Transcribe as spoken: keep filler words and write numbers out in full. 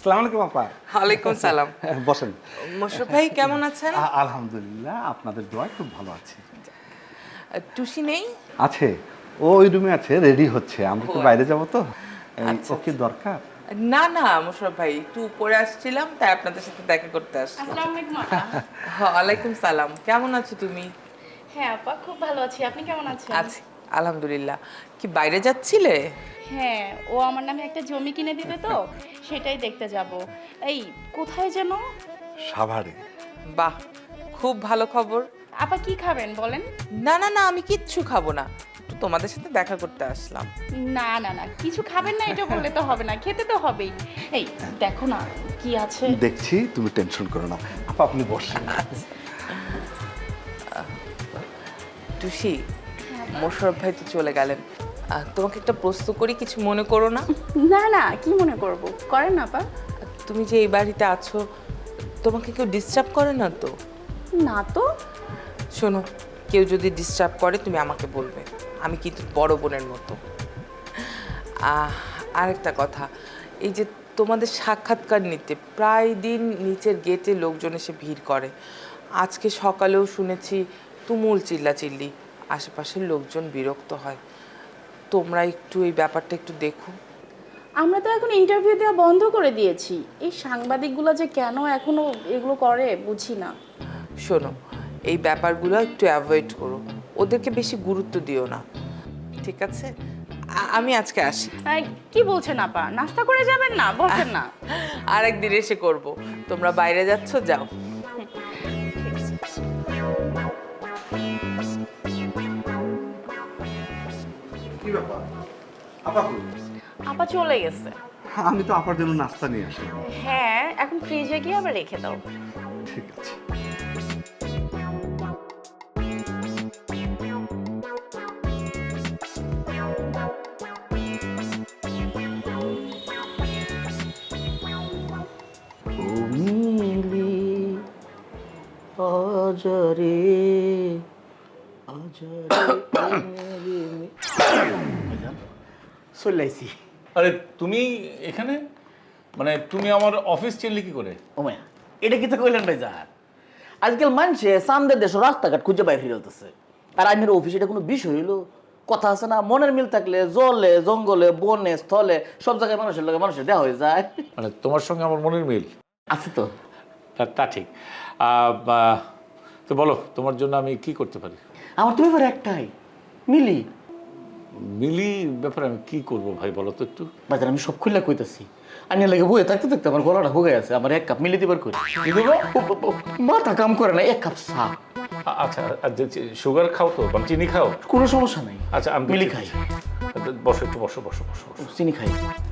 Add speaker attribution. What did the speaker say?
Speaker 1: আসসালামু আলাইকুম আপা।
Speaker 2: ওয়ালাইকুম সালাম।
Speaker 1: বসেন।
Speaker 2: মোশাররফ ভাই কেমন আছেন?
Speaker 1: আ- আলহামদুলিল্লাহ, আপনাদের দোয়ায় খুব ভালো আছি।
Speaker 2: টুসি নেই?
Speaker 1: আছে, ও ওই রুমে আছে, রেডি হচ্ছে। আমরা একটু
Speaker 2: ও,
Speaker 1: বাইরে যাব তো। এই,
Speaker 2: আচ্ছা,
Speaker 1: ও কি
Speaker 2: আচ্ছা।
Speaker 1: দরকার?
Speaker 2: না না মোশাররফ ভাই, একটু উপরে আসছিলাম তাই আপনাদের সাথে দেখা করতে আসলাম।
Speaker 3: আসসালামু আলাইকুম আপা।
Speaker 2: ওয়ালাইকুম সালাম। কেমন আছো তুমি?
Speaker 3: হ্যাঁ আপা, খুব ভালো আছি। আপনি কেমন আছেন?
Speaker 2: আছি আলহামদুলিল্লাহ। কি বাইরে যাচ্ছিলে?
Speaker 3: হ্যাঁ, ও আমার নামে একটা জমি কিনে দিবে তো, সেটাই দেখতে যাব। এই কোথায় যেন?
Speaker 1: সাভারে।
Speaker 2: বাহ, খুব ভালো খবর।
Speaker 3: আপা কি খাবেন বলেন?
Speaker 2: না না না, আমি কিচ্ছু খাবো না, একটু তোমাদের সাথে দেখা করতে আসলাম।
Speaker 3: না না না, কিছু খাবেন না এটা বললে তো হবে না, খেতে তো হবেই। এই দেখো না কি আছে।
Speaker 1: দেখছি, তুমি টেনশন করো না। আপা আপনি বসেন।
Speaker 2: টুসি, মোশাররফ ভাই তো চলে গেলেন। আহ, তোমাকে একটা প্রশ্ন করি, কিছু মনে করো না?
Speaker 3: না না, কি মনে করব, করেন না আপা।
Speaker 2: তুমি যে এই বাড়িতে আছো, তোমাকে কেউ ডিস্টার্ব করে না তো?
Speaker 3: না তো।
Speaker 2: শোনো, কেউ যদি ডিস্টার্ব করে তুমি আমাকে বলবে, আমি কিন্তু বড় বোনের মতো। আহ, আরেকটা কথা, এই যে তোমাদের সাক্ষাৎকার নিতে প্রায় দিন নিচের গেটে লোকজন এসে ভিড় করে। আজকে সকালেও শুনেছি তুমুল চিল্লাচিল্লি, আশেপাশের লোকজন বিরক্ত হয়। তোমরা একটু এই ব্যাপারটা একটু দেখো।
Speaker 3: আমরা তো এখন ইন্টারভিউ দেওয়া বন্ধ করে দিয়েছি। এই সাংবাদিকগুলো যে কেন এখনো এগুলো করে বুঝি না।
Speaker 2: শোনো, এই ব্যাপারগুলো একটু অ্যাভয়েড করো, ওদেরকে বেশি গুরুত্ব দিও না, ঠিক আছে? আ- আমি আজকে আসি।
Speaker 3: এই, কি বলছেন আপা? নাস্তা করে যাবেন না? বসেন না।
Speaker 2: আর একদিন এসে করব। তোমরা বাইরে যাচ্ছ, যাও।
Speaker 1: কি ব্যাপার? আপা কই?
Speaker 3: আপা চলে গেছে।
Speaker 1: আমি তো আপার জন্য নাস্তা নিয়ে আসলাম।
Speaker 3: হ্যাঁ, এখন ফ্রিজে গিয়ে আবার রেখে দাও।
Speaker 1: ঠিক আছে।
Speaker 4: মিলি অজরে অজরে চলাইছি।
Speaker 5: আরে তুমি এখানে, মানে তুমি আমার অফিস চিনলি কি করে?
Speaker 4: ও মায়া, এটা কি তো কইলেন ভাই জান? আজকাল মানুষে সামনের দেশ রাস্তাঘাট খুঁজে বাইরে ফিরতেছে, আর আইনের অফিস এটা কোনো বিষয় হইলো? কথা আছে না, মনের মিল থাকলে জলে জঙ্গলে বনে স্থলে সব জায়গায় মানুষের লগে মানুষের দেওয়া হয়ে যায়।
Speaker 5: মানে তোমার সঙ্গে আমার মনের মিল
Speaker 4: আছে তো।
Speaker 5: তা- তা ঠিক। আহ, বা- তো বলো, তোমার জন্য আমি কি করতে পারি?
Speaker 4: আমার তো ব্যাপার একটাই, মিলি।
Speaker 5: মিলি ব্যাপারে আমি কি করব ভাই, বলো তো একটু।
Speaker 4: বাজার আমি সব খুললা কইতাছি, আইনের লাগে বইয়ে থাকতে থাকতে আমার গলাটা হুগে আছে। আমার এক কাপ মিলি দিবার করি,
Speaker 5: কি দেবো?
Speaker 4: মাথা কাম করে না, এক কাপ চা।
Speaker 5: আ- আচ্ছা, আর যে চি- সুগার খাও তো, মানে চিনি খাও?
Speaker 4: কোনো সমস্যা নাই,
Speaker 5: আচ্ছা, আমি
Speaker 4: মিলি
Speaker 5: দিচ্ছি।
Speaker 4: খাই।
Speaker 5: বসো একটু, বসো বসো বসো বসো।
Speaker 4: চিনি খাই।